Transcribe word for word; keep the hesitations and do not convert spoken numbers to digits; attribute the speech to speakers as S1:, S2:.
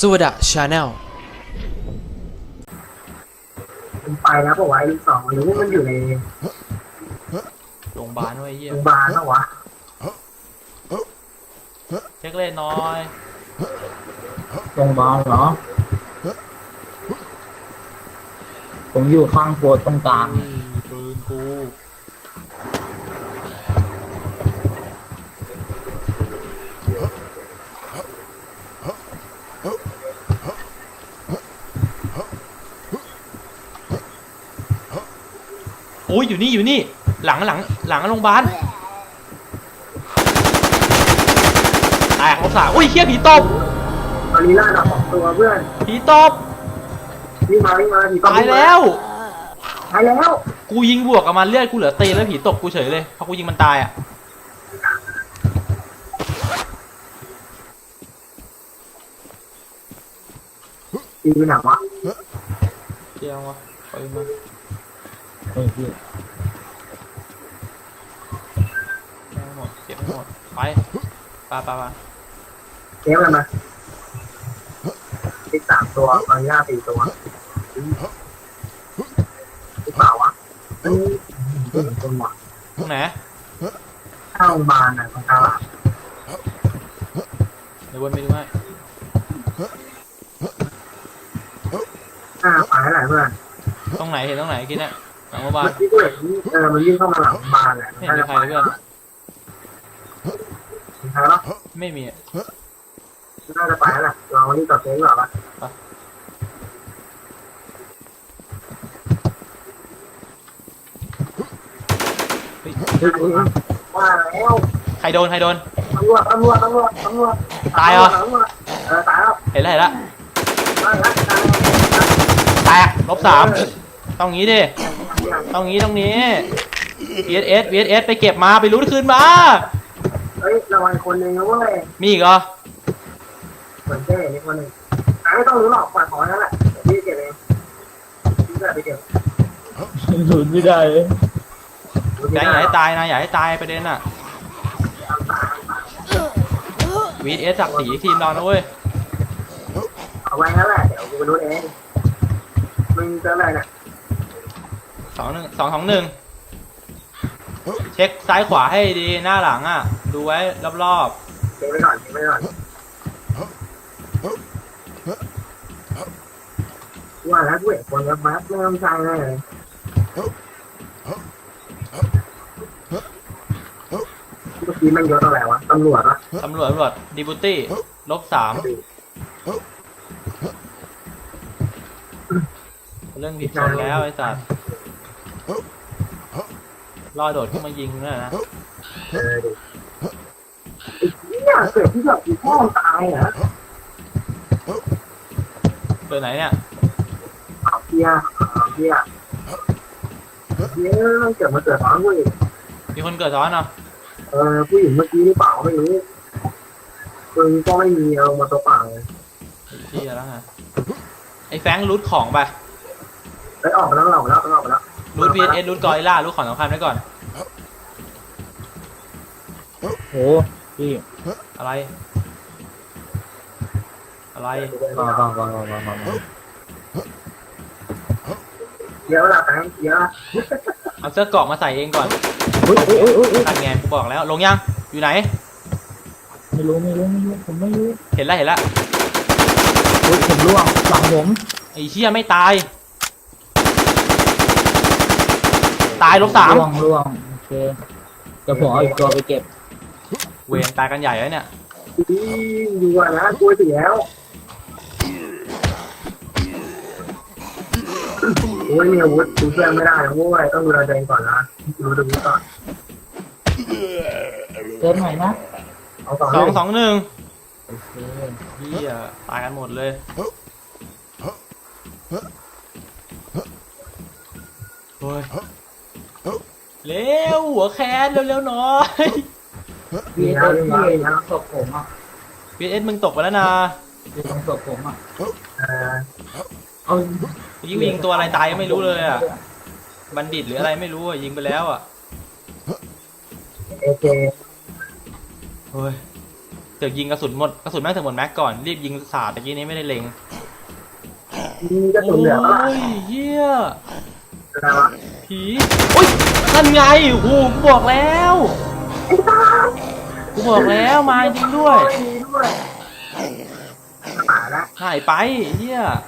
S1: สวัสดีชาแนล
S2: มันไปแล้วบอกว่าไอ้สองหรือว่ามันอยู่ใน
S3: โรงพยาบาลไว้เยี่ย
S2: โรงพยาบาลแล้ววะ
S3: เช็คเล่นน้อย
S4: โรงพยาบาลเหรอ ผมอยู่ข้างโพสตรงกลาง
S3: ปืนกูโอ้ยอยู่นี่อยู่นี่หลังหลังหลังโรงพยาบาลแตกรถสาอุ้ยเฮียผีตบ
S2: ตอนนี้ล่าดับสองตัวเพื่อน
S3: ผีตบ
S2: วิ่งมาวิ่งมาผี
S3: ตายแล้ว
S2: ตายแล้ว
S3: กูยิงบวกกับมันเลือดกูเหลือตีแล้วผีตบกูเฉยเลยเพราะกูยิงมันตายอ่ะ
S2: ตีไปไหนวะ
S3: เจียววะไปมา
S4: เฮ้ยพี่
S3: แม่งหมดเก็บให้หมดไปไปไปไป
S2: เลี้ยงอะไรมาตีสามตัวตอนนี้ล่าสี่ตัวหรือเปล่าวะเอ้ยเป็นคนหมด
S3: ตรงไหน
S2: ข้างโรงพยาบาลน่ะตรงตลาด
S3: เดี๋ยววนไปดูให้
S2: หน้าไปไหนเพื่อน
S3: ตรงไหนเห็นตรงไหนกินเนี่ยหลังโรงพยาบาล
S2: เมื่อกี้กูเห็นเออมันวิ่งเข้ามาหลังโรงพยาบาลแหละ
S3: ไม่เห็นมีใครเลยเพื่อน
S2: มีใครวะ
S3: ไม่มีอะ
S2: น่าจะไปแล้วแหละเราวันนี้ต่อเซ็งหรอปะ
S3: เฮ้ย
S4: เฮ้ยเฮ้ยเฮ้ย
S2: ว่าแล้ว
S3: ใครโดนใครโดน
S2: ตำรวจตำรวจตำรวจตำรวจ
S3: ตายเหรอ
S2: ตำรวจเออตายแล้ว
S3: เห็นแล้วเห็นแล้ว
S2: ตายแล้วตายแล้ว
S3: แตกลบสามต้องงี้ดิต้องงี้ต้องนี้ วี เอส เอส วี เอส เอส ไปเก็บมาไปรู้คืนมา
S2: เฮ้ยระวังคนหนึ่งนะเว้ย
S3: มีอีกเหรอ
S2: เหมือนเจ้นี่คนหนึ่งอ่ะไม่ต้องรู้หรอกปล่อยของนั่นแหละพี่เก็บเองพี่จะไปเก็บ
S4: หลุดไม่ได้เลย
S3: แบงค์อย่าให้ตายนะอย่าให้ตายประเด็นอ่ะ วี เอส ศักดิ์ศรีทีมเรานะเว้ย
S2: เอาไว้นั่นแหละเดี๋ยวกูไปรู้เองมึงเจออะไรเนี่ย
S3: สองหนึ่งสองสองหนึ่งเช็คซ้ายขวาให้ดีหน้าหลังอ่ะดูไว้รอบ
S2: เก็บไว้ก่อนเก็บไว้ก่อนว่าแล้วกูเห็นคนกับบัสเริ่มใจเลยเมื่อกี้มันยศอะไรวะตำรวจวะ
S3: ๆตำรวจตำรวจดีบูตี้ลบสามเรื่องผิดชนแล้วไอ้สัตว์รอโดดขึ้นมายิงนั่นนะ
S2: เออดิไอ้เหี้ยเกิดที่แบบอีพ่อตายเหรอ
S3: เปิดไหนเนี่ย
S2: เอาเหี้ยเอาเหี้ยเหี้ยเกิดมาเกิดท้องกูอีก
S3: มีคนเกิดซ้อนเนาะ
S2: เออผู้หญิงเมื่อกี้หรือเปล่าไม่รู้ปืนก็ไม่มีเอามาตัวเปล่าเลย
S3: ที่แล้วฮะไอ้แฟงรูทของไป
S2: ไปออกมาแล้วออกมาแล้วออกมาแล้ว
S3: รูท วี เอส เอส รูทกอริลล่ารูทของสำคัญไว้ก่อน
S4: โหพี่
S3: อะไร อะไร
S4: ก่อนก่อนก่อนก่อนก่อนก่อน
S2: เยอะละแตงเยอะ
S3: เอาเสื้อเกราะมาใส่เองก่อน
S4: เฮ้ยเฮ้ยเฮ้ยเฮ้ยเฮ้ย
S3: นั่นไงกูบอกแล้วลงยังอยู่ไหน
S4: ไม่รู้ไม่รู้ไม่รู้ผมไม่รู้
S3: เห็นแล้วเห็นแล้ว
S4: เฮ้ยผมร่วงหลังผม
S3: ไอ้เชี่ยไม่ตาย ตายลบสาม
S4: ร่วงร่วงโอเคเดี๋ยวผมเอาอีกตัวไปเก็บ
S3: เวรตายกันใหญ่แล้วเนี่ย
S2: ดีอยู่อ่ะนะกลัวเสียแล้วโอ้ยมีอาวุธดูเพื่อนไม่ได้นะโว้ยต้องดูแลตัวเองก่อนนะดูตัวเองก่อน
S4: เติมหน่อยนะ
S2: เอาสอง
S3: สองสองหนึ่ง
S4: โอเค
S3: เฮียตายกันหมดเลยเฮ้ยเร็วหัวแคนเร็วๆหน่อย
S4: พี่เอสพี่ทางศพผมอ่ะ
S3: วี เอส มึงตกไปแล้วนะ
S4: พี่ทางศพผมอ่ะ
S2: เออ
S4: เอา
S3: ยิงยิงตัวอะไรตายก็ไม่รู้เลยอ่ะบัณฑิตหรืออะไรไม่รู้อ่ะยิงไปแล้วอ่ะ
S2: โอเค
S3: เฮ้ยสือกยิงกระสุนหมดกระสุนแม่งถึงหมดแม็กก่อนรีบยิงสาดตะกี้นี้ไม่ได้เล็ง
S2: มีกระสุนเหลือปะล่ะ
S3: โอ้ยเฮีย
S2: อะไรวะ
S3: ผีโอ้ยนั่นไงโอ้โหกูบอกแล้ว
S2: ไอ้ตา
S3: กูบอกแล้วมาจริงด้วย
S2: ดีด้วยตายแล้ว
S3: หายไปเฮีย